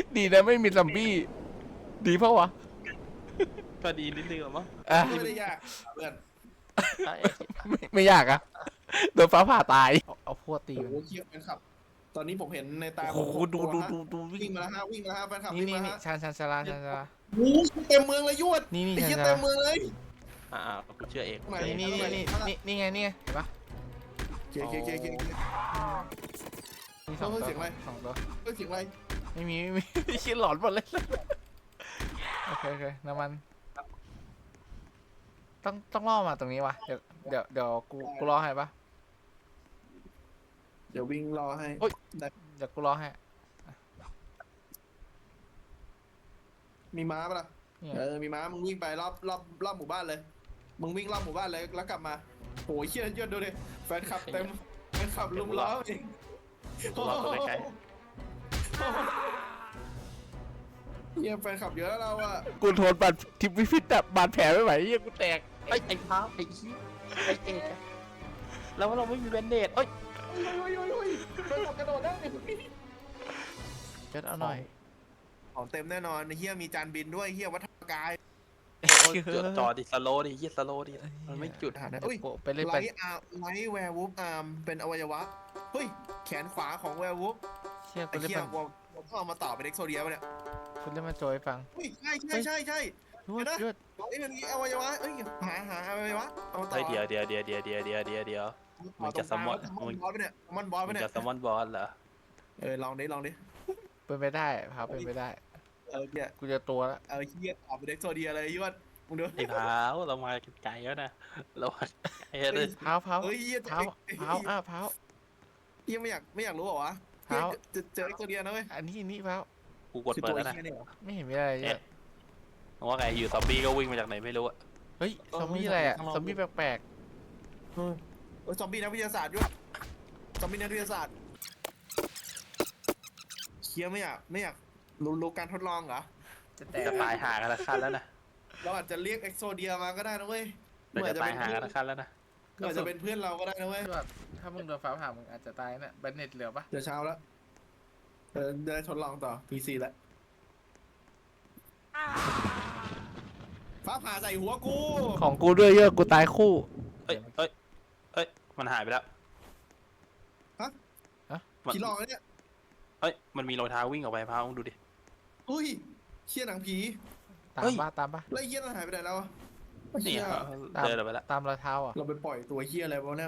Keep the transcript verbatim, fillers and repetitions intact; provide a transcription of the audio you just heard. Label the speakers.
Speaker 1: ดีนะไม่มีซอมบี้ดีเพราะวะ
Speaker 2: ก็ดีนิดนึงหรอมั้ง
Speaker 1: อ่ะ
Speaker 3: ไม่ได้ยากเพื่อน
Speaker 2: ไอ้
Speaker 1: ไม่ไม่ยากอะโดนฟ้าผ่าตายเอาเอาพวกตี
Speaker 3: โอ้
Speaker 1: มัน
Speaker 3: โหเคียบแฟนคลับ ตอนนี้ผมเห็นในตา
Speaker 1: โอ้โห
Speaker 3: ผม
Speaker 1: ดู
Speaker 3: ตัว
Speaker 1: ดู
Speaker 3: ฮะ
Speaker 1: ดูดูวิ่
Speaker 3: วิ่ง
Speaker 1: ง
Speaker 3: มาแล้วฮะวิ่งมาแล้วฮะแฟนคลับ
Speaker 1: นี่
Speaker 3: วิ่ง
Speaker 1: นี่
Speaker 3: มา
Speaker 1: นี่
Speaker 3: ฮะ
Speaker 1: ชานชานชาลาชานชาลา
Speaker 3: โอ้โหเต็มเมืองเลยยวด
Speaker 1: นี่นี่
Speaker 3: ไอ้เหี้ย
Speaker 1: ชานชา
Speaker 3: เต็
Speaker 1: ลาม
Speaker 3: เมืองเลย
Speaker 2: อ่ากูเชื่อเอง
Speaker 3: ไหน
Speaker 1: นี่นี่นี่นี่นี่นี่ไงนี่ไงเห็นปะ
Speaker 3: เกียร์เกียร์เกียร์เกียร์เกียร์
Speaker 1: มีสอง
Speaker 3: เฮ้
Speaker 1: ตั
Speaker 3: ยว เสียงอะไร
Speaker 1: สองตัว
Speaker 3: เฮ้ยเสียงอะไร
Speaker 1: ไม่มีไม่มี คิดหลอนหมดเลยโอเคโอเคน้ำมันต้องต้องล่อมาตรงนี้วะเดี๋ยวเดี๋ยวเดี๋ยวกูกูรอให้ปะ
Speaker 3: เดี๋ยววิ่งรอให้
Speaker 1: โอ๊ย เดี๋ยวกูรอให้
Speaker 3: มีม้าปะล่ะ
Speaker 1: เนี่ย
Speaker 3: เออมีม้ามึงวิ่งไปรอบรอบรอบหมู่บ้านเลยมึงวิ่งรอบหมู่บ้านเลยแล้วกลับมาโอ้ยเชี่ยยอดดูดิแฟนคลับเต็มแฟนคลับลุมล้อเอง
Speaker 2: กูรอตัวใกล้
Speaker 3: เฮียแฟนคลับเยอะแล้วเราอะ
Speaker 1: กูทนบาดทิพวิฟิตแบบบาดแผลไม่ไหวเหี้ยกูแตก
Speaker 2: ๆไอ้ไอ้พ้าไอ้ชี้ไอ้เอกอะแล้วเราไม่มีแบนเดดเอ้ย
Speaker 3: โอ้ยโอ้ยโอ้ยแฟนคลับกระโดดได้
Speaker 1: เดี๋ยวเอาหน่อย
Speaker 3: ของเต็มแน่นอนเฮียมีจานบินด้วยเฮียวัฒนกาย
Speaker 2: โอ้ยจอจอดิสโลดิยี่สโลดิมันไม่จุด
Speaker 3: หาได้เอ้ย
Speaker 1: โอ้ไปเล่น
Speaker 3: ไล
Speaker 1: ไป
Speaker 3: ท์อาร์ไลท์แวร์วูฟอาร์มเป็นอวัยวะเฮ้ยแขนขวาของแวร์วูฟ
Speaker 1: เชี่ยกู
Speaker 3: ไอ้
Speaker 1: เล่น
Speaker 3: เฮีย
Speaker 1: มัน
Speaker 3: วอลต้องเอามาต่อเป็นเอ็กโซเดียป่ะเนี่ย
Speaker 1: กูเล่นมันโจยฟัง
Speaker 3: เฮ้ยใช่ใช่ใช่ใช่
Speaker 1: ยวดยวด
Speaker 3: ไอ้ยมันมีอวัยวะเอ้ยหาหาอวัยวะเอามาต่อ
Speaker 2: เฮ้ยเดี๋ยวเดี๋ยวเดี๋ยวเดี๋ยวเดี๋ยวเดี๋ยวเดี๋ยวเดี๋ยว มึงจะสมอน
Speaker 3: มอนบอสไปเนี่ยมอนบอสไป
Speaker 2: มึง
Speaker 3: เนี่ย
Speaker 2: จะซัมมอนบอสเหรอ
Speaker 3: เออลองดิลองดิ
Speaker 1: เป็นไปได้พาเป็นไปได้
Speaker 3: เออเนี่ย
Speaker 1: กูจะตัวแล้ว
Speaker 3: เออเฮียต่อเป็นเอ็กโซเดียเลยยวดมึงดู
Speaker 2: ไอ้พ้าวเรามาไกลแล้วนะเรามาไกลเลย
Speaker 1: เผาเผา
Speaker 3: เฮ้ยเฮีย
Speaker 1: เผาเผาอ้าเผา
Speaker 3: เฮียไม่อยากไม่อยากรู้เหรอวะ
Speaker 1: เผา
Speaker 3: จะเจอเอ็กโซเดียนะเว้ย
Speaker 1: อันนี้อันนี้เผา
Speaker 2: กูกด
Speaker 3: คือ
Speaker 2: เปิด
Speaker 3: ตัว
Speaker 2: แล้วนะ
Speaker 3: เฮียเนี่ยเหรอ
Speaker 1: ไม่เห็นมีอะไรเย
Speaker 2: เอ๊ะ
Speaker 1: อะ
Speaker 2: ว่าไงอยู่ซอมบี้ก็วิ่งมาจากไหนไม่รู้อะ
Speaker 1: เฮ้ยซอมบี้อะไรอ่ะซอมบี้แปลก
Speaker 3: เออเออซอมบี้นักวิทยาศาสตร์ด้วยซอมบี้นักวิทยาศาสตร์เฮียไม่อยากไม่อยากรู้รู้การทดลองเหรอ
Speaker 1: ๆจะแตก
Speaker 2: จะตายหากันละขั้นแล้วนะ
Speaker 3: เราอาจจะเรียกเอ็กโซเดียมาก็ได้นะเว้ย
Speaker 2: เราจะตายหากันละขั้นแล้วนะ
Speaker 3: อาจจะเป็นเพื่อนเราก็ได้นะเว้ย
Speaker 1: แบบถ้ามึงโดนฟ้าผ่ามึงอาจจะตายน่ะแบนเน็ตเหลือปะ
Speaker 3: เดี๋ยวเช้าแล้วเออได้ทดลองต่อ พี ซี แล้วฟ้าผ่าใส่หัวกู
Speaker 1: ของกูด้วยเยอะกูตายคู่
Speaker 2: เอ้ยเอ้ยเอ้ยมันหายไปแล้ว มัน
Speaker 3: ผีหลอกนะเนี่ย
Speaker 2: เอ้ยมันมีรอยเท้าวิ่งออกไปพ้าวมึงดูดิ
Speaker 3: อุ้ยเชี่ยหนังผี
Speaker 1: ตา
Speaker 2: เฮ้
Speaker 1: ม
Speaker 2: ย
Speaker 1: ปะตามปะ
Speaker 3: แล้วไอ้เฮียนั่นหายไปไหนแล้วอะ
Speaker 2: นี่
Speaker 3: เฮีย
Speaker 2: เดินออกไปแล้ว
Speaker 1: ตามรอยเท้าอ่ะ
Speaker 3: เราไปปล่อยตัวเฮียอะไรวะเนี่ย